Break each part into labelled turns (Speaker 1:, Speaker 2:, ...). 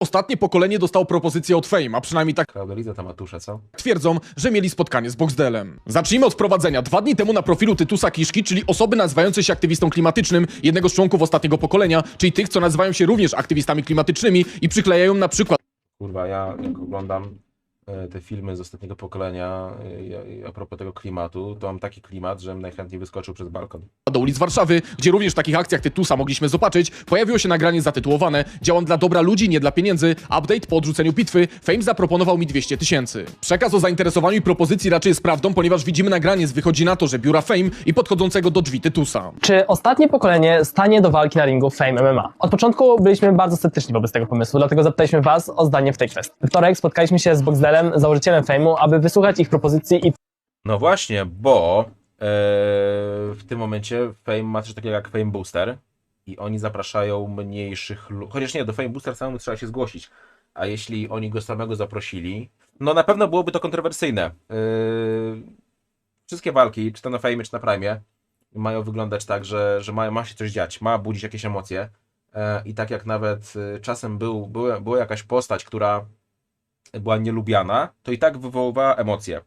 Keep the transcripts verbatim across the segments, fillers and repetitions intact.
Speaker 1: Ostatnie pokolenie dostało propozycję od Fame, a przynajmniej tak
Speaker 2: Klaudeliza ta matusza, co?
Speaker 1: twierdzą, że mieli spotkanie z Boxdelem. Zacznijmy od wprowadzenia. Dwa dni temu na profilu Tytusa Kiszki, czyli osoby nazywającej się aktywistą klimatycznym, jednego z członków ostatniego pokolenia, czyli tych, co nazywają się również aktywistami klimatycznymi i przyklejają na przykład
Speaker 2: Kurwa, ja jak oglądam e, te filmy z ostatniego pokolenia e, a propos tego klimatu, to mam taki klimat, że najchętniej wyskoczył przez balkon.
Speaker 1: do ulic Warszawy, gdzie również w takich akcjach Tytusa mogliśmy zobaczyć, pojawiło się nagranie zatytułowane "Działam dla dobra ludzi, nie dla pieniędzy. Update po odrzuceniu bitwy. Fame zaproponował mi dwieście tysięcy. Przekaz o zainteresowaniu i propozycji raczej jest prawdą, ponieważ widzimy nagranie z wychodzi na to, że biura Fame i podchodzącego do drzwi Tytusa.
Speaker 3: Czy ostatnie pokolenie stanie do walki na ringu Fame M M A? Od początku byliśmy bardzo sceptyczni wobec tego pomysłu, dlatego zapytaliśmy Was o zdanie w tej kwestii. We wtorek spotkaliśmy się z Boxdelem, założycielem Fame'u, aby wysłuchać ich propozycji i
Speaker 2: No właśnie, bo e, w tym momencie Fame ma coś takiego jak Fame Booster i oni zapraszają mniejszych ludzi. Chociaż nie, do Fame Booster samemu trzeba się zgłosić. A jeśli oni go samego zaprosili, no na pewno byłoby to kontrowersyjne. E, wszystkie walki, czy to na Fame, czy na Prime, mają wyglądać tak, że, że ma, ma się coś dziać, ma budzić jakieś emocje. E, I tak jak nawet e, czasem był, była, była jakaś postać, która była nielubiana, to i tak wywoływała emocje.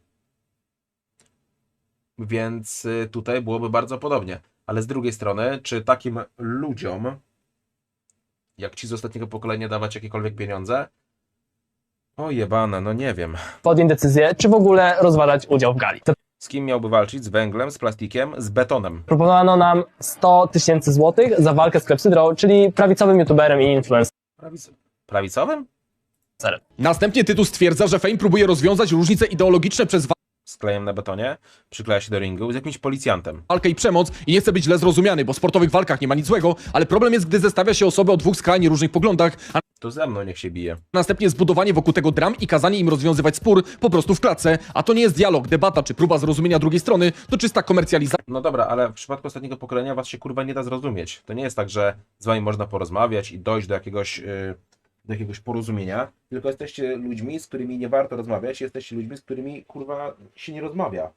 Speaker 2: Więc y, tutaj byłoby bardzo podobnie. Ale z drugiej strony, czy takim ludziom, jak ci z ostatniego pokolenia, dawać jakiekolwiek pieniądze? O jebane, no nie wiem.
Speaker 3: podjąć decyzję, czy w ogóle rozważać udział w gali.
Speaker 2: Z kim miałby walczyć? Z węglem, z plastikiem, z betonem.
Speaker 3: Proponowano nam sto tysięcy złotych za walkę z Klepsydrą, czyli prawicowym youtuberem i influencerem.
Speaker 2: Prawic prawicowym?
Speaker 1: Następnie Tytus stwierdza, że Fame próbuje rozwiązać różnice ideologiczne przez
Speaker 2: Z klejem na betonie, przykleja się do ringu z jakimś policjantem.
Speaker 1: walkę i przemoc i nie chce być źle zrozumiany, bo w sportowych walkach nie ma nic złego, ale problem jest, gdy zestawia się osoby o dwóch skrajnie różnych poglądach, a
Speaker 2: To ze mną niech się bije.
Speaker 1: następnie zbudowanie wokół tego dram i kazanie im rozwiązywać spór po prostu w klatce, a to nie jest dialog, debata czy próba zrozumienia drugiej strony, to czysta komercjalizacja
Speaker 2: No dobra, ale w przypadku ostatniego pokolenia was się kurwa nie da zrozumieć. To nie jest tak, że z wami można porozmawiać i dojść do jakiegoś, yy, do jakiegoś porozumienia, tylko jesteście ludźmi, z którymi nie warto rozmawiać, jesteście ludźmi, z którymi kurwa się nie rozmawia.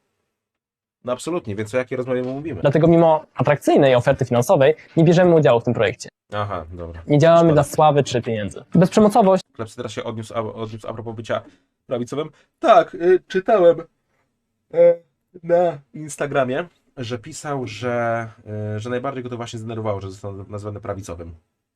Speaker 2: No absolutnie, więc o jakiej rozmowie my mówimy?
Speaker 3: Dlatego mimo atrakcyjnej oferty finansowej nie bierzemy udziału w tym projekcie.
Speaker 2: Aha, dobra.
Speaker 3: Nie działamy
Speaker 2: Szkoda.
Speaker 3: dla sławy czy pieniędzy. Bezprzemocowość
Speaker 2: Klepsydra się odniósł a, odniósł a propos bycia prawicowym. Tak, y, czytałem y, na Instagramie, że pisał, że, y, że najbardziej go to właśnie zdenerwowało, że został nazwany prawicowym.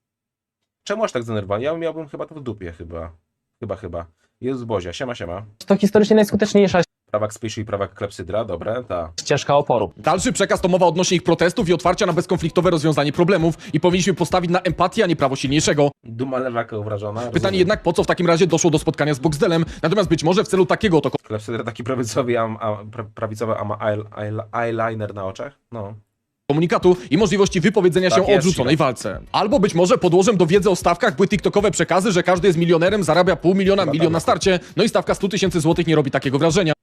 Speaker 2: Czemu aż tak zdenerwowany? Ja miałbym chyba to w dupie, chyba. Chyba, chyba. Jezus Bozia, siema, siema.
Speaker 3: to historycznie najskuteczniejsza
Speaker 2: Prawak Spyszy i prawak Klepsydra, dobre, ta.
Speaker 3: ścieżka oporu.
Speaker 1: Dalszy przekaz to mowa odnośnie ich protestów i otwarcia na bezkonfliktowe rozwiązanie problemów i powinniśmy postawić na empatię, a nie prawo silniejszego.
Speaker 2: Duma lewaka obrażona.
Speaker 1: Pytanie
Speaker 2: rozumiem.
Speaker 1: jednak, po co w takim razie doszło do spotkania z Boxdelem, natomiast być może w celu takiego oto
Speaker 2: Klepsydra taki prawicowy, a, a, pra, prawicowy, a ma eye, eye, eyeliner na oczach? No.
Speaker 1: komunikatu i możliwości wypowiedzenia
Speaker 2: Tak
Speaker 1: się o
Speaker 2: jest,
Speaker 1: odrzuconej walce. Albo być może podłożem do wiedzy o stawkach były tiktokowe przekazy, że każdy jest milionerem, zarabia pół miliona,
Speaker 2: Chyba
Speaker 1: milion
Speaker 2: tak.
Speaker 1: na starcie, no i stawka sto tysięcy złotych nie robi takiego wrażenia.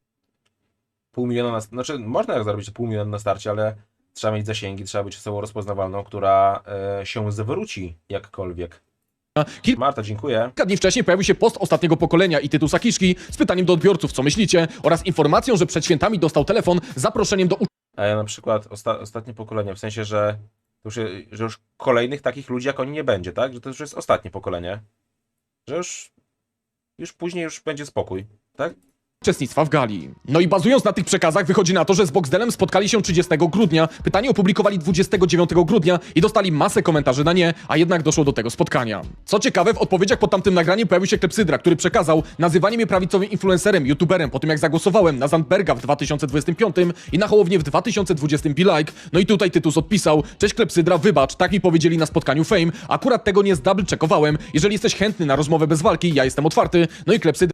Speaker 2: Pół miliona na... Znaczy, można jak zarobić pół miliona na starcie, ale trzeba mieć zasięgi, trzeba być osobą rozpoznawalną, która e, się zwróci jakkolwiek.
Speaker 1: Kilka
Speaker 2: Marta, dziękuję.
Speaker 1: dni wcześniej pojawił się post ostatniego pokolenia i Tytusa Kiszki z pytaniem do odbiorców, co myślicie, oraz informacją, że przed świętami dostał telefon z zaproszeniem do
Speaker 2: A ja na przykład osta ostatnie pokolenie, w sensie, że już, że już kolejnych takich ludzi jak oni nie będzie, tak? Że to już jest ostatnie pokolenie. Że już, już później już będzie spokój, tak?
Speaker 1: uczestnictwa w gali. No i bazując na tych przekazach wychodzi na to, że z Boxdelem spotkali się trzydziestego grudnia, pytanie opublikowali dwudziestego dziewiątego grudnia i dostali masę komentarzy na nie, a jednak doszło do tego spotkania. Co ciekawe, w odpowiedziach pod tamtym nagraniem pojawił się Klepsydra, który przekazał nazywanie mnie prawicowym influencerem, youtuberem po tym jak zagłosowałem na Zandberga w dwa tysiące dwudziestym piątym i na Hołownię w dwa tysiące dwudziestym be like. No i tutaj Tytus odpisał: cześć Klepsydra, wybacz, tak mi powiedzieli na spotkaniu Fame, akurat tego nie zdouble checkowałem, jeżeli jesteś chętny na rozmowę bez walki, ja jestem otwarty. No i Klepsydra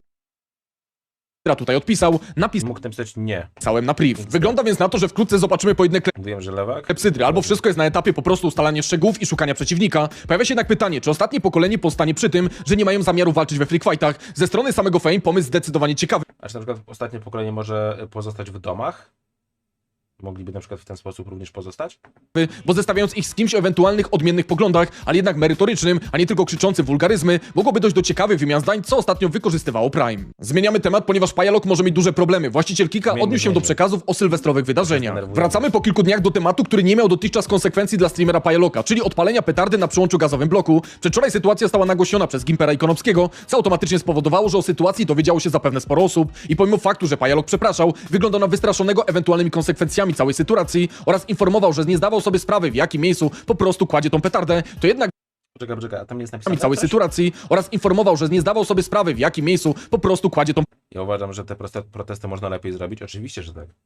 Speaker 1: tutaj odpisał, napisałem
Speaker 2: Mógł napisać nie.
Speaker 1: na priv. Wygląda więc na to, że wkrótce zobaczymy pojedynek
Speaker 2: Mówiłem, że lewak.
Speaker 1: Klepsydry, albo wszystko jest na etapie po prostu ustalania szczegółów i szukania przeciwnika. Pojawia się jednak pytanie, czy ostatnie pokolenie powstanie przy tym, że nie mają zamiaru walczyć we freak fightach. Ze strony samego Fame pomysł zdecydowanie ciekawy.
Speaker 2: A czy na przykład ostatnie pokolenie może pozostać w domach? mogliby na przykład w ten sposób również pozostać?
Speaker 1: bo zestawiając ich z kimś o ewentualnych odmiennych poglądach, ale jednak merytorycznym, a nie tylko krzyczącym wulgaryzmy, mogłoby dojść do ciekawych wymian zdań, co ostatnio wykorzystywało Prime. Zmieniamy temat, ponieważ Pajalok może mieć duże problemy. Właściciel Kika
Speaker 2: Zmieńmy,
Speaker 1: odniósł się do
Speaker 2: zmieńmy.
Speaker 1: przekazów o sylwestrowych wydarzeniach.
Speaker 2: Denerwujące.
Speaker 1: Wracamy po kilku dniach do tematu, który nie miał dotychczas konsekwencji dla streamera Pajaloka, czyli odpalenia petardy na przyłączu gazowym bloku. Przedwczoraj sytuacja została nagłośniona przez Gimpera i Konopskiego, co automatycznie spowodowało, że o sytuacji dowiedziało się zapewne sporo osób i pomimo faktu, że Pajalok przepraszał, wyglądał na wystraszonego ewentualnymi konsekwencjami całej sytuacji oraz informował, że nie zdawał sobie sprawy, w jakim miejscu po prostu kładzie tą petardę, to jednak
Speaker 2: Poczekaj, poczekaj, a tam nie jest napisane
Speaker 1: całej
Speaker 2: coś?
Speaker 1: sytuacji oraz informował, że nie zdawał sobie sprawy, w jakim miejscu po prostu kładzie tą
Speaker 2: Ja uważam, że te proste- protesty można lepiej zrobić. Oczywiście, że tak.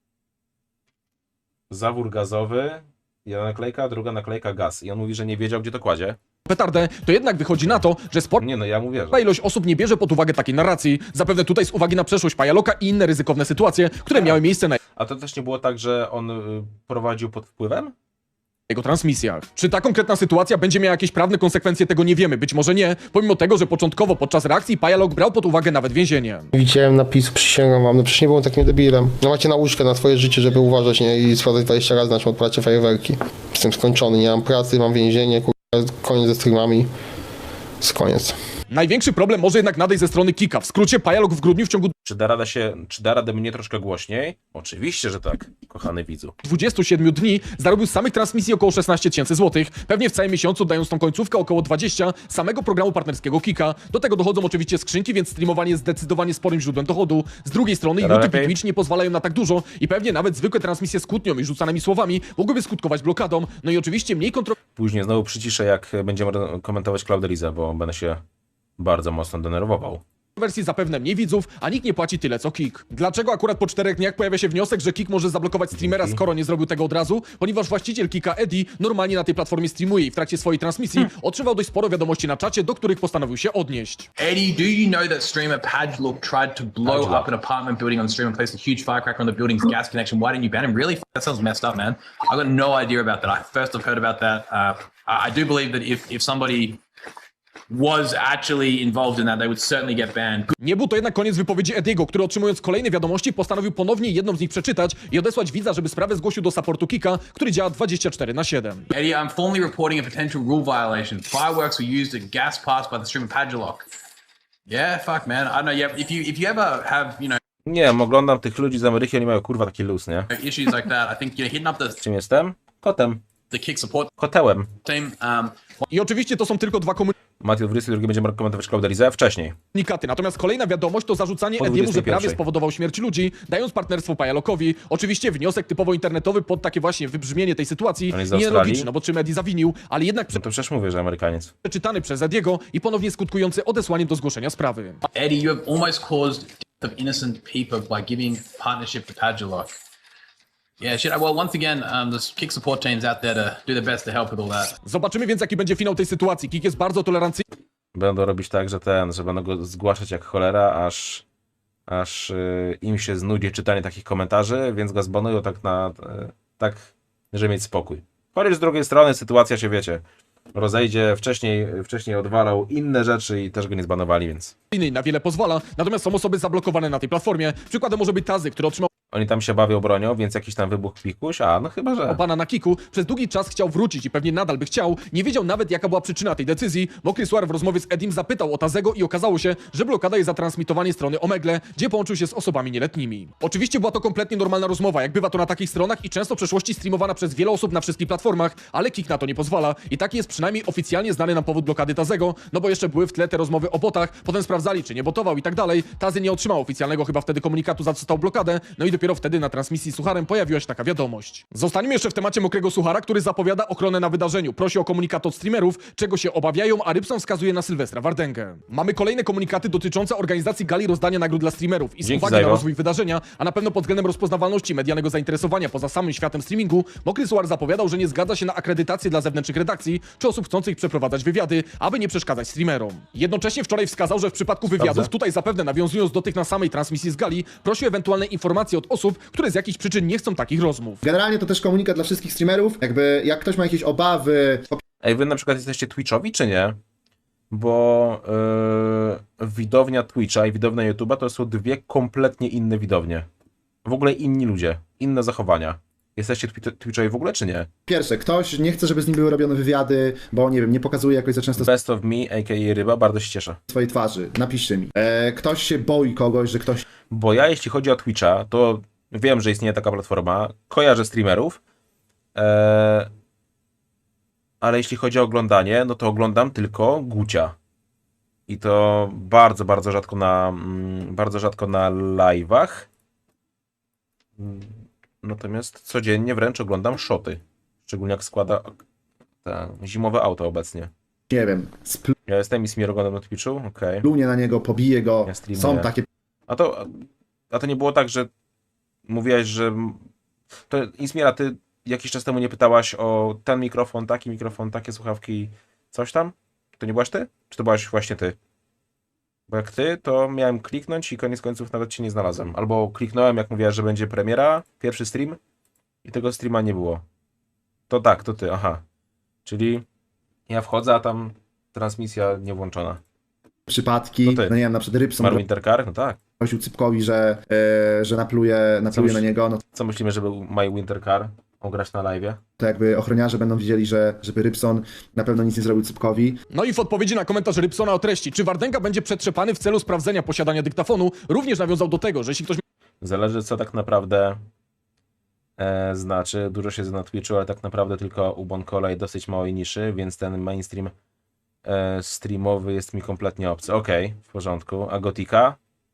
Speaker 2: Zawór gazowy, jedna naklejka, druga naklejka gaz. I on mówi, że nie wiedział, gdzie to kładzie.
Speaker 1: petardę, to jednak wychodzi na to, że spora
Speaker 2: Nie no, ja mu wierzę.
Speaker 1: ilość osób nie bierze pod uwagę takiej narracji, zapewne tutaj z uwagi na przeszłość Pajaloka i inne ryzykowne sytuacje, które miały miejsce na
Speaker 2: A to też nie było tak, że on y, prowadził pod wpływem?
Speaker 1: jego transmisjach. Czy ta konkretna sytuacja będzie miała jakieś prawne konsekwencje, tego nie wiemy, być może nie, pomimo tego, że początkowo podczas reakcji Pajalok brał pod uwagę nawet więzienie.
Speaker 4: Widziałem napisy, przysięgam wam, no przecież nie byłem takim debilem. No macie nauczkę na swoje życie, żeby uważać, nie? I sprawdzać dwadzieścia razy, na czym odpalacie fajerwerki. Jestem skończony, nie mam pracy, mam więzienie, kurwa, koniec ze streamami. Jest koniec.
Speaker 1: Największy problem może jednak nadejść ze strony Kika. W skrócie Pajalok w grudniu w ciągu
Speaker 2: Czy da radę się, czy da radę mnie troszkę głośniej? Oczywiście, że tak, kochany widzu.
Speaker 1: dwudziestu siedmiu dni zarobił z samych transmisji około szesnaście tysięcy złotych, pewnie w całym miesiącu dając tą końcówkę około dwadzieścia samego programu partnerskiego Kika. Do tego dochodzą oczywiście skrzynki, więc streamowanie jest zdecydowanie sporym źródłem dochodu. Z drugiej strony
Speaker 2: Teraz
Speaker 1: YouTube i
Speaker 2: lepiej?
Speaker 1: Twitch nie pozwalają na tak dużo i pewnie nawet zwykłe transmisje z kłótnią i rzucanymi słowami mogłyby skutkować blokadą, no i oczywiście mniej kontrowersyjne
Speaker 2: Później znowu przyciszę, jak będziemy komentować Cloudelizę, bo będę się bardzo mocno denerwował.
Speaker 1: wersji zapewne mniej widzów, a nikt nie płaci tyle co Kik. Dlaczego akurat po czterech dniach pojawia się wniosek, że Kik może zablokować streamera,
Speaker 2: Dzięki.
Speaker 1: skoro nie zrobił tego od razu? Ponieważ właściciel Kika, Eddie, normalnie na tej platformie streamuje i w trakcie swojej transmisji otrzymał dość sporo wiadomości na czacie, do których postanowił się odnieść.
Speaker 5: Eddie, do you know that streamer Padlock tried to blow
Speaker 2: Padlock.
Speaker 5: up an apartment building on the stream and placed a huge firecracker on the building's gas connection? Why didn't you ban him? Really? F- That sounds messed up, man. I got no idea about that. I first I've heard about that. Uh, I I do believe that if if somebody was actually involved in that, they would certainly get banned.
Speaker 1: Nie był to jednak koniec wypowiedzi Ediego, który otrzymując kolejne wiadomości postanowił ponownie jedną z nich przeczytać i odesłać widza, żeby sprawę zgłosił do supportu Kika, który działa dwadzieścia cztery na siedem.
Speaker 5: Eddie, I'm formally reporting a potential rule violation. Fireworks were used at gas pass by the streamer Padlock. Yeah, fuck, man. I don't know. Yeah, if you if you ever have you know
Speaker 2: Nie wiem, oglądam tych ludzi z Ameryki, oni mają kurwa taki luz, nie?
Speaker 5: issues like that, I think you know hitting up the
Speaker 2: Czym jestem? Kotem.
Speaker 5: the kick support
Speaker 2: Kotełem.
Speaker 5: team. Um,
Speaker 1: I oczywiście to są tylko dwa
Speaker 2: Matthew dwudziesty drugi będziemy komentować Cloudelizę wcześniej.
Speaker 1: komunikaty, natomiast kolejna wiadomość to zarzucanie
Speaker 2: Po
Speaker 1: Ediemu, że
Speaker 2: dwudziestej
Speaker 1: prawie
Speaker 2: pierwszej.
Speaker 1: spowodował śmierć ludzi, dając partnerstwo Pajalokowi. Oczywiście wniosek typowo internetowy pod takie właśnie wybrzmienie tej sytuacji
Speaker 2: On jest z
Speaker 1: nie
Speaker 2: Australii?
Speaker 1: logiczny, no bo czym Eddie zawinił, ale jednak
Speaker 2: No to przecież mówię, że Amerykaniec.
Speaker 1: przeczytany przez Ediego i ponownie skutkujący odesłaniem do zgłoszenia sprawy.
Speaker 5: Eddie, you have almost caused death of innocent people by giving partnership to Padlock. Yeah, shit. Well, once again, um, the kick support team's out there to do their best to help with all that.
Speaker 1: Zobaczymy więc, jaki będzie finał tej sytuacji. Kik jest bardzo tolerancyjny
Speaker 2: Będą robić tak, że ten, że będą go zgłaszać jak cholera, aż, aż y, im się znudzi czytanie takich komentarzy, więc go zbanują tak na, y, tak, żeby mieć spokój. Chociaż z drugiej strony sytuacja się, wiecie, rozejdzie, wcześniej, wcześniej odwalał inne rzeczy i też go nie zbanowali, więc
Speaker 1: i na wiele pozwala, natomiast są osoby zablokowane na tej platformie. Przykładem może być Tazy, który otrzymał
Speaker 2: oni tam się bawią bronią, więc jakiś tam wybuch pikuś, a no chyba, że...
Speaker 1: pana na Kiku, przez długi czas chciał wrócić i pewnie nadal by chciał. Nie wiedział nawet, jaka była przyczyna tej decyzji. Mokry Suar w rozmowie z Edim zapytał o Tazego i okazało się, że blokada jest za transmitowanie strony Omegle, gdzie połączył się z osobami nieletnimi. Oczywiście była to kompletnie normalna rozmowa, jak bywa to na takich stronach i często w przeszłości streamowana przez wiele osób na wszystkich platformach, ale Kik na to nie pozwala. I taki jest przynajmniej oficjalnie znany nam powód blokady Tazego, no bo jeszcze były w tle te rozmowy o botach, potem sprawdzali, czy nie botował i tak dalej. Tazy nie otrzymał oficjalnego chyba wtedy komunikatu, za co stał blokadę, no i dopiero wtedy na transmisji z Sucharem pojawiła się taka wiadomość. Zostaniemy jeszcze w temacie Mokrego Suchara, który zapowiada ochronę na wydarzeniu. Prosi o komunikat od streamerów, czego się obawiają, a Rybson wskazuje na Sylwestra Wardęgę. Mamy kolejne komunikaty dotyczące organizacji gali rozdania nagród dla streamerów i z
Speaker 2: Dzięki
Speaker 1: uwagi
Speaker 2: za
Speaker 1: na
Speaker 2: jego.
Speaker 1: rozwój wydarzenia, a na pewno pod względem rozpoznawalności medialnego zainteresowania poza samym światem streamingu, Mokry Suchar zapowiadał, że nie zgadza się na akredytację dla zewnętrznych redakcji czy osób chcących przeprowadzać wywiady, aby nie przeszkadzać streamerom. Jednocześnie wczoraj wskazał, że w przypadku wywiadów,
Speaker 2: Dobrze.
Speaker 1: tutaj zapewne nawiązując do tych na samej transmisji z gali, prosił ewentualne informacje od osób, które z jakichś przyczyn nie chcą takich rozmów.
Speaker 6: Generalnie to też komunikat dla wszystkich streamerów. Jakby jak ktoś ma jakieś obawy,
Speaker 2: Ej, wy na przykład jesteście Twitchowi, czy nie? Bo yy, widownia Twitcha i widownia YouTube'a to są dwie kompletnie inne widownie. W ogóle inni ludzie, inne zachowania. Jesteście Twi- Twitchowi w ogóle, czy nie?
Speaker 6: Pierwsze, ktoś nie chce, żeby z nim były robione wywiady, bo nie wiem, nie pokazuje jakoś za często
Speaker 2: Best of me, a k a. Ryba, bardzo się cieszę.
Speaker 6: swojej twarzy. Napiszcie mi. E, ktoś się boi kogoś, że ktoś
Speaker 2: Bo ja, jeśli chodzi o Twitcha, to wiem, że istnieje taka platforma, kojarzę streamerów, eee, ale jeśli chodzi o oglądanie, no to oglądam tylko Gucia. I to bardzo, bardzo rzadko na, mm, bardzo rzadko na live'ach. Mm, Natomiast codziennie wręcz oglądam shoty. Szczególnie jak składa te zimowe auto obecnie.
Speaker 6: nie wiem,
Speaker 2: Ja jestem i Smir oglądam na Twitchu? Okej.
Speaker 6: splunie na niego, pobije go.
Speaker 2: Ja streamuję.
Speaker 6: Są takie
Speaker 2: A to, a to nie było tak, że mówiłaś, że... To Ismiera, ty jakiś czas temu nie pytałaś o ten mikrofon, taki mikrofon, takie słuchawki, coś tam? To nie byłaś ty? Czy to byłaś właśnie ty? Bo jak ty, to miałem kliknąć i koniec końców nawet cię nie znalazłem. Albo kliknąłem, jak mówiłaś, że będzie premiera, pierwszy stream i tego streama nie było. To tak, to ty, aha. Czyli ja wchodzę, a tam transmisja nie włączona.
Speaker 6: przypadki,
Speaker 2: To ty.
Speaker 6: no nie wiem, na przykład Rybson
Speaker 2: Marvin Intercar? No tak.
Speaker 6: groził Cypkowi, że, e, że napluje, napluje
Speaker 2: Coś-
Speaker 6: na niego, no
Speaker 2: Co myślimy, żeby My Winter Car ograć na live'ie?
Speaker 6: to jakby ochroniarze będą wiedzieli, że żeby Rybson na pewno nic nie zrobił Cypkowi.
Speaker 1: No i w odpowiedzi na komentarz Rybsona o treści, czy Wardenga będzie przetrzepany w celu sprawdzenia posiadania dyktafonu, również nawiązał do tego, że jeśli ktoś
Speaker 2: Zależy, co tak naprawdę e, znaczy. Dużo siedzę na Twitchu, ale tak naprawdę tylko u Bonkola i dosyć małej niszy, więc ten mainstream e, streamowy jest mi kompletnie obcy. Okej, w porządku. A Gotika?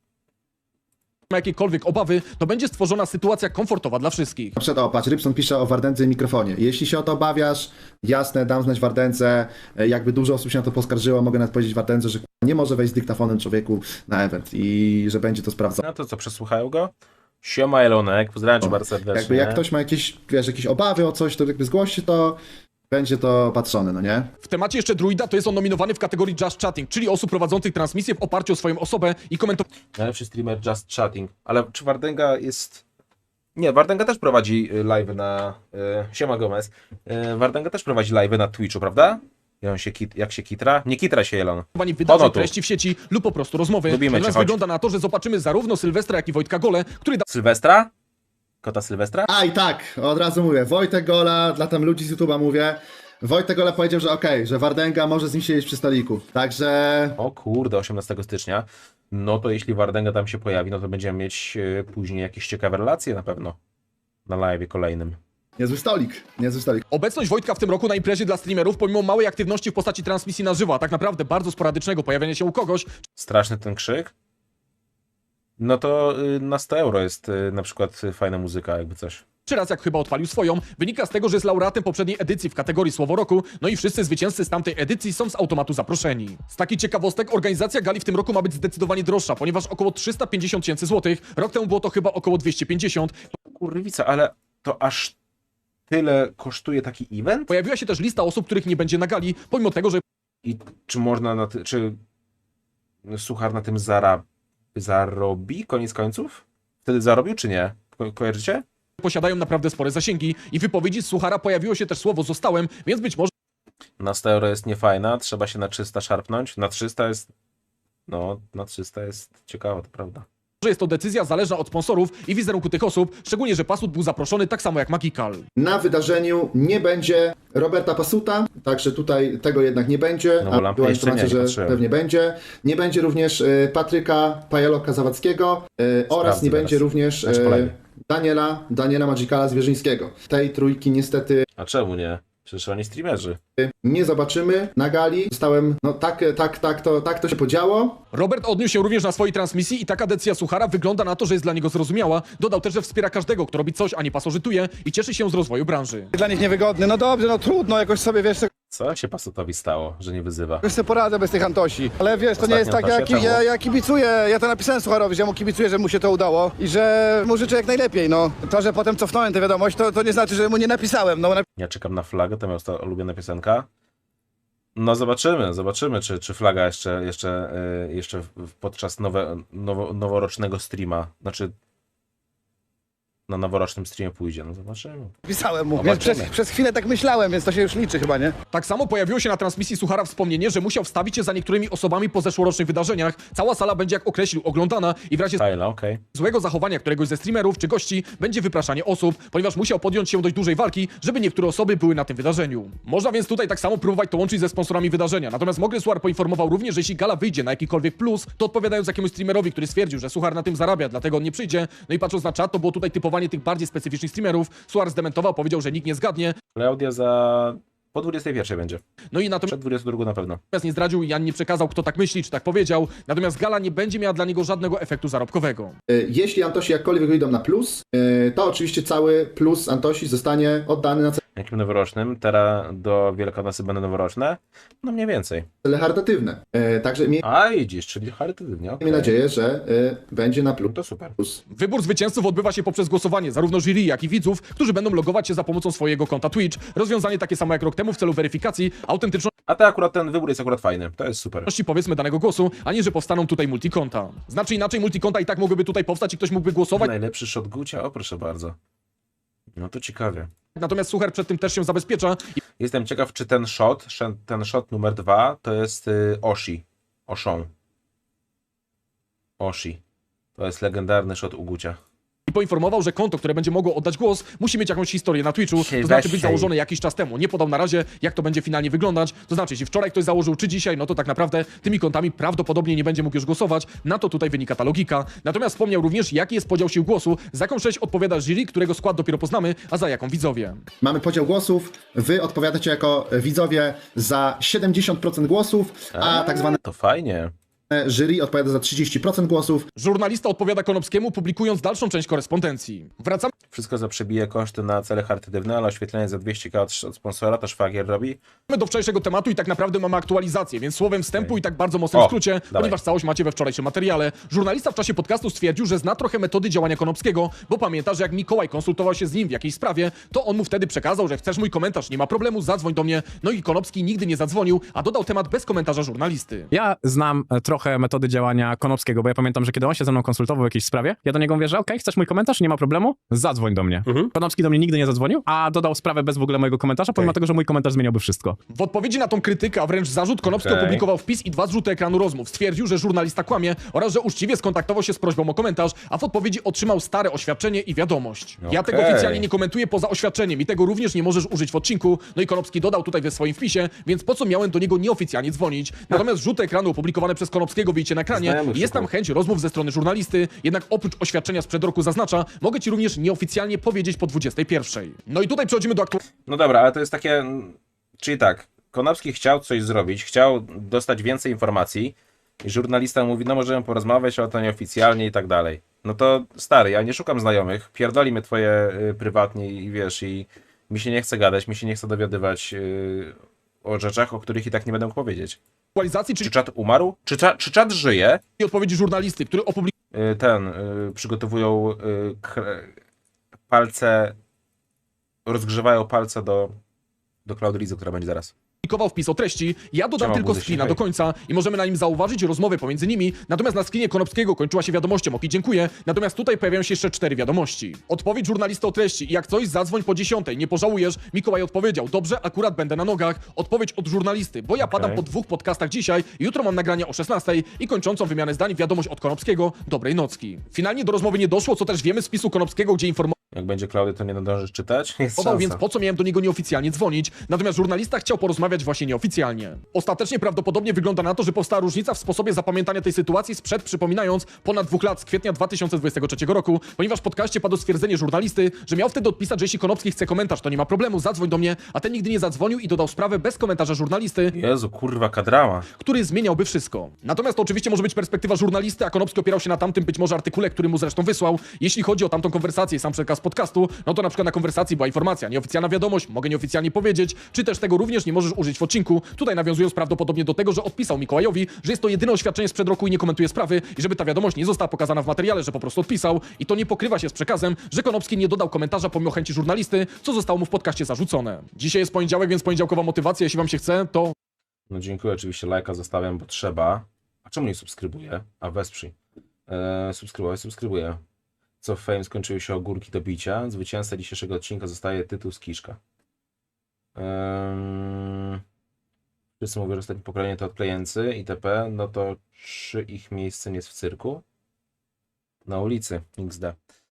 Speaker 1: ma jakiekolwiek obawy, to będzie stworzona sytuacja komfortowa dla wszystkich.
Speaker 6: Na przykład, o, patrz, Rybson pisze o Wardędze i mikrofonie. Jeśli się o to obawiasz, jasne, dam znać Wardędze. E, Jakby dużo osób się na to poskarżyło, mogę nawet powiedzieć Wardędze, że k***a, nie może wejść z dyktafonem człowieku na event i że będzie to sprawdzone.
Speaker 2: No to co, przesłuchają go? Siema Elonek, pozdrawiam cię bardzo serdecznie.
Speaker 6: Jakby jak ktoś ma jakieś, wiesz, jakieś obawy o coś, to jakby zgłosi to, będzie to patrzone, no nie?
Speaker 1: W temacie jeszcze Druida to jest on nominowany w kategorii Just Chatting, czyli osób prowadzących transmisję w oparciu o swoją osobę i komentowanych
Speaker 2: Najlepszy streamer Just Chatting. Ale czy Wardenga jest... Nie, Wardenga też prowadzi y, live na... Y, Siema Gomez. Y, Wardenga też prowadzi live na Twitchu, prawda? Jak on się, kit, jak się kitra? Nie kitra się Elon.
Speaker 1: wydarzeń,
Speaker 2: Ono tu.
Speaker 1: treści w sieci lub po prostu rozmowy.
Speaker 2: Lubimy cię,
Speaker 1: Natomiast
Speaker 2: chodź.
Speaker 1: wygląda na to, że zobaczymy zarówno Sylwestra, jak i Wojtka Gole, który
Speaker 2: Sylwestra? Kota Sylwestra?
Speaker 6: A i tak, od razu mówię, Wojtek Gola, dla tam ludzi z YouTube'a mówię, Wojtek Gola powiedział, że okej, że Wardęga może z nim siedzieć przy stoliku, także
Speaker 2: O kurde, osiemnastego stycznia. No to jeśli Wardenga tam się pojawi, no to będziemy mieć y, później jakieś ciekawe relacje na pewno. Na live kolejnym.
Speaker 6: niezły stolik, niezły stolik.
Speaker 1: Obecność Wojtka w tym roku na imprezie dla streamerów, pomimo małej aktywności w postaci transmisji na żywo, a tak naprawdę bardzo sporadycznego pojawiania się u kogoś,
Speaker 2: Straszny ten krzyk. No to y, na sto euro jest y, na przykład y, fajna muzyka, jakby coś.
Speaker 1: czy raz jak chyba odpalił swoją, wynika z tego, że jest laureatem poprzedniej edycji w kategorii Słowo Roku, no i wszyscy zwycięzcy z tamtej edycji są z automatu zaproszeni. Z takich ciekawostek organizacja gali w tym roku ma być zdecydowanie droższa, ponieważ około trzysta pięćdziesiąt tysięcy złotych, rok temu było to chyba około dwieście pięćdziesiąt.
Speaker 2: Kurwica, ale to aż tyle kosztuje taki event?
Speaker 1: Pojawiła się też lista osób, których nie będzie na gali, pomimo tego, że
Speaker 2: I czy można na ty, czy Suchar na tym zara, zarobi koniec końców? Wtedy zarobił, czy nie? Ko kojarzycie?
Speaker 1: posiadają naprawdę spore zasięgi i w wypowiedzi z Suchara pojawiło się też słowo zostałem, więc być może
Speaker 2: Na sto euro jest niefajna, trzeba się na trzysta szarpnąć. Na trzysta jest... No, na trzysta jest ciekawa, to prawda.
Speaker 1: jest to decyzja zależna od sponsorów i wizerunku tych osób, szczególnie, że Pasut był zaproszony tak samo jak Magikal.
Speaker 6: Na wydarzeniu nie będzie Roberta Pasuta, także tutaj tego jednak nie będzie,
Speaker 2: No bo
Speaker 6: a
Speaker 2: lampy
Speaker 6: była
Speaker 2: jeszcze nie,
Speaker 6: informacja,
Speaker 2: nie
Speaker 6: że
Speaker 2: patrzyłem.
Speaker 6: pewnie będzie. Nie będzie również e, Patryka Pajaloka-Zawadzkiego e, oraz
Speaker 2: Sprawdzę
Speaker 6: nie
Speaker 2: teraz.
Speaker 6: będzie również
Speaker 2: Znaczy, kolejny.
Speaker 6: e, Daniela, Daniela Magikala Zwierzyńskiego. Tej trójki niestety
Speaker 2: A czemu nie? Przecież oni streamerzy.
Speaker 6: nie zobaczymy na gali. Zostałem, no tak, tak, tak, to, tak to się podziało.
Speaker 1: Robert odniósł się również na swojej transmisji i taka decyzja Suchara wygląda na to, że jest dla niego zrozumiała. Dodał też, że wspiera każdego, kto robi coś, a nie pasożytuje i cieszy się z rozwoju branży.
Speaker 7: Dla nich niewygodny. No dobrze, no trudno, jakoś sobie, wiesz,
Speaker 2: Co się Pasutowi stało, że nie wyzywa?
Speaker 7: jakoś sobie poradzę bez tych Antosi. Ale wiesz, to nie jest tak,
Speaker 2: Ostatnio
Speaker 7: jak
Speaker 2: Antosia
Speaker 7: ja,
Speaker 2: czemu?
Speaker 7: ja kibicuję, ja to napisałem Sucharowi, że ja mu kibicuję, że mu się to udało i że mu życzę jak najlepiej, no. To, że potem cofnąłem tę wiadomość, to, to nie znaczy, że mu nie napisałem, no.
Speaker 2: Ja czekam na flagę, to moja osta- ulubiona piosenka. No zobaczymy, zobaczymy, czy, czy flaga jeszcze, jeszcze, yy, jeszcze w- podczas nowe, nowo, noworocznego streama, znaczy na noworocznym streamie pójdzie. No zobaczymy.
Speaker 7: Pisałem mu, więc
Speaker 2: Zobaczymy.
Speaker 7: przez, przez chwilę tak myślałem, więc to się już liczy chyba, nie?
Speaker 1: Tak samo pojawiło się na transmisji Suchara wspomnienie, że musiał wstawić się za niektórymi osobami po zeszłorocznych wydarzeniach. Cała sala będzie, jak określił, oglądana i w razie
Speaker 2: Fajla, okej.
Speaker 1: złego zachowania któregoś ze streamerów czy gości będzie wypraszanie osób, ponieważ musiał podjąć się dość dużej walki, żeby niektóre osoby były na tym wydarzeniu. Można więc tutaj tak samo próbować to łączyć ze sponsorami wydarzenia. Natomiast Mogry Suchar poinformował również, że jeśli gala wyjdzie na jakikolwiek plus, to odpowiadając jakiemuś streamerowi, który stwierdził, że Suchar na tym zarabia, dlatego on nie przyjdzie. No i patrząc na czat, to było tutaj typowanie tych bardziej specyficznych streamerów. Suchar zdementował, powiedział, że nikt nie zgadnie.
Speaker 2: Klaudia za... po dwudziestej pierwszej będzie.
Speaker 1: No i natomiast
Speaker 2: Przed dwudziestą drugą na pewno.
Speaker 1: nie zdradził i ani nie przekazał, kto tak myśli, czy tak powiedział. Natomiast gala nie będzie miała dla niego żadnego efektu zarobkowego.
Speaker 6: Y, Jeśli Antosi jakkolwiek wyjdą na plus, y, to oczywiście cały plus Antosi zostanie oddany na
Speaker 2: Jakim noworocznym? Teraz do Wielkanocy będą noworoczne? No mniej więcej.
Speaker 6: cele charytatywne. Y, Także miejmy
Speaker 2: A widzisz, czyli charytatywnie, okej.
Speaker 6: nadzieję, że y, będzie na plus.
Speaker 2: To super.
Speaker 1: Wybór zwycięzców odbywa się poprzez głosowanie zarówno jury, jak i widzów, którzy będą logować się za pomocą swojego konta Twitch. Rozwiązanie takie samo jak rok temu w celu weryfikacji autentyczności,
Speaker 2: A to akurat ten wybór jest akurat fajny. To jest super.
Speaker 1: powiedzmy, danego głosu, a nie, że powstaną tutaj multikonta. Znaczy inaczej, multikonta i tak mogłyby tutaj powstać i ktoś mógłby głosować,
Speaker 2: Najlepszy shot Gucia? O proszę bardzo. No to ciekawie.
Speaker 1: natomiast Suchar przed tym też się zabezpiecza i
Speaker 2: Jestem ciekaw, czy ten shot, sze- ten shot numer dwa, to jest y, Oshi. Oshą. Oshi. To jest legendarny shot u Gucia.
Speaker 1: i poinformował, że konto, które będzie mogło oddać głos, musi mieć jakąś historię na Twitchu,
Speaker 2: Hej,
Speaker 1: to znaczy
Speaker 2: weź
Speaker 1: być
Speaker 2: hej.
Speaker 1: założone jakiś czas temu. Nie podał na razie, jak to będzie finalnie wyglądać. To znaczy, jeśli wczoraj ktoś założył, czy dzisiaj, no to tak naprawdę tymi kontami prawdopodobnie nie będzie mógł już głosować. Na to tutaj wynika ta logika. Natomiast wspomniał również, jaki jest podział sił głosu, za jaką część odpowiada jury, którego skład dopiero poznamy, a za jaką widzowie.
Speaker 6: Mamy podział głosów, wy odpowiadacie jako widzowie za siedemdziesiąt procent głosów, a tak zwane
Speaker 2: To fajnie.
Speaker 6: jury odpowiada za trzydzieści procent głosów.
Speaker 1: Żurnalista odpowiada Konopskiemu, publikując dalszą część korespondencji. Wracamy
Speaker 2: Wszystko za przebije koszty na cele charytatywne, ale oświetlenie za dwieście tysięcy od, od sponsora to szwagier robi.
Speaker 1: do wczorajszego tematu i tak naprawdę mamy aktualizację, więc słowem wstępu i tak bardzo mocnym
Speaker 2: O,
Speaker 1: skrócie,
Speaker 2: dawaj.
Speaker 1: ponieważ całość macie we wczorajszym materiale. Żurnalista w czasie podcastu stwierdził, że zna trochę metody działania Konopskiego, bo pamięta, że jak Mikołaj konsultował się z nim w jakiejś sprawie, to on mu wtedy przekazał, że chcesz mój komentarz, nie ma problemu, zadzwoń do mnie. No i Konopski nigdy nie zadzwonił, a dodał temat bez komentarza żurnalisty.
Speaker 8: Ja znam e, trochę metody działania Konopskiego, bo ja pamiętam, że kiedy on się ze mną konsultował w jakiejś sprawie, ja do niego mówię, że okej, chcesz mój komentarz, nie ma problemu, zadzwoń do mnie. Konopski do mnie nigdy nie zadzwonił, a dodał sprawę bez w ogóle mojego komentarza, pomimo tego, że mój komentarz zmieniałby wszystko.
Speaker 1: W odpowiedzi na tą krytykę, a wręcz zarzut, Konopski
Speaker 2: Okej.
Speaker 1: opublikował wpis i dwa zrzuty ekranu rozmów. Stwierdził, że żurnalista kłamie oraz że uczciwie skontaktował się z prośbą o komentarz, a w odpowiedzi otrzymał stare oświadczenie i wiadomość. Ja tego
Speaker 2: Okej.
Speaker 1: oficjalnie nie komentuję poza oświadczeniem i tego również nie możesz użyć w odcinku. No i Konopski dodał tutaj we swoim wpisie, więc po co miałem do niego nieoficjalnie dzwonić? Natomiast rzuty ekranu opublikowane przez Konopskiego widzicie na ekranie.
Speaker 2: Znajomych
Speaker 1: Jest tam
Speaker 2: szukał.
Speaker 1: chęć rozmów ze strony żurnalisty, jednak oprócz oświadczenia sprzed roku zaznacza, mogę ci również nieoficjalnie powiedzieć po dwudziestej pierwszej. No i tutaj przechodzimy do aktualności.
Speaker 2: No dobra, ale to jest takie... Czyli tak, Konopski chciał coś zrobić, chciał dostać więcej informacji i żurnalista mówi, no możemy porozmawiać, ale to nieoficjalnie i tak dalej. No to stary, ja nie szukam znajomych, pierdoli mnie twoje y, prywatnie i wiesz, i mi się nie chce gadać, mi się nie chce dowiadywać y, o rzeczach, o których i tak nie będę mógł powiedzieć.
Speaker 1: aktualizacji, czyli
Speaker 2: Czy czat umarł? Czy, cza, czy czat żyje?
Speaker 1: odpowiedzi żurnalisty, który opublikował
Speaker 2: Y, ten, y, przygotowują y, kre, palce, rozgrzewają palce do, do Cloud Rizu, która będzie zaraz.
Speaker 1: Publikował wpis o treści, ja dodam
Speaker 2: Siema,
Speaker 1: tylko
Speaker 2: buzy,
Speaker 1: screena
Speaker 2: hej.
Speaker 1: do końca i możemy na nim zauważyć rozmowę pomiędzy nimi, natomiast na screenie Konopskiego kończyła się wiadomością ok, dziękuję, natomiast tutaj pojawiają się jeszcze cztery wiadomości. Odpowiedź żurnalisty o treści i jak coś zadzwoń po dziesiątej, nie pożałujesz, Mikołaj odpowiedział, dobrze, akurat będę na nogach. Odpowiedź od żurnalisty, bo ja padam
Speaker 2: Okej.
Speaker 1: po dwóch podcastach dzisiaj, jutro mam nagrania o szesnastej i kończącą wymianę zdań wiadomość od Konopskiego, dobrej nocki. Finalnie do rozmowy nie doszło, co też wiemy z wpisu Konopskiego, gdzie informował,
Speaker 2: Jak będzie Klaudy, to nie nadążysz czytać? Jest
Speaker 1: Podał, więc
Speaker 2: szansa.
Speaker 1: po co miałem do niego nieoficjalnie dzwonić? Natomiast żurnalista chciał porozmawiać właśnie nieoficjalnie. Ostatecznie prawdopodobnie wygląda na to, że powstała różnica w sposobie zapamiętania tej sytuacji sprzed, przypominając, ponad dwóch lat z kwietnia dwa tysiące dwudziestego trzeciego roku, ponieważ w podcaście padło stwierdzenie żurnalisty, że miał wtedy odpisać, że jeśli Konopski chce komentarz, to nie ma problemu, zadzwoń do mnie, a ten nigdy nie zadzwonił i dodał sprawę bez komentarza żurnalisty,
Speaker 2: Jezu, kurwa, kadrama.
Speaker 1: który zmieniałby wszystko. Natomiast to oczywiście może być perspektywa żurnalisty, a Konopski opierał się na tamtym być może artykule, który mu zresztą wysłał. Jeśli chodzi o tamtą konwersację i sam przekaz podcastu, no to na przykład na konwersacji była informacja, nieoficjalna wiadomość, mogę nieoficjalnie powiedzieć, czy też tego również nie możesz użyć w odcinku. Tutaj nawiązując prawdopodobnie do tego, że odpisał Mikołajowi, że jest to jedyne oświadczenie sprzed roku i nie komentuje sprawy i żeby ta wiadomość nie została pokazana w materiale, że po prostu odpisał i to nie pokrywa się z przekazem, że Konopski nie dodał komentarza pomimo chęci żurnalisty, co zostało mu w podcaście zarzucone. Dzisiaj jest poniedziałek, więc poniedziałkowa motywacja, jeśli wam się chce, to
Speaker 2: No dziękuję, oczywiście lajka zostawiam, bo trzeba. A czemu nie subskrybuję? A wesprzyj. Eee, subskrybuję, subskrybuję. co w Fame skończyły się ogórki do bicia. Zwycięzca dzisiejszego odcinka zostaje tytuł z Kiszka. Um, wszyscy mówią, że ostatnie pokolenie to odklejęcy itp. No to czy ich miejscem jest w cyrku? Na ulicy, X D.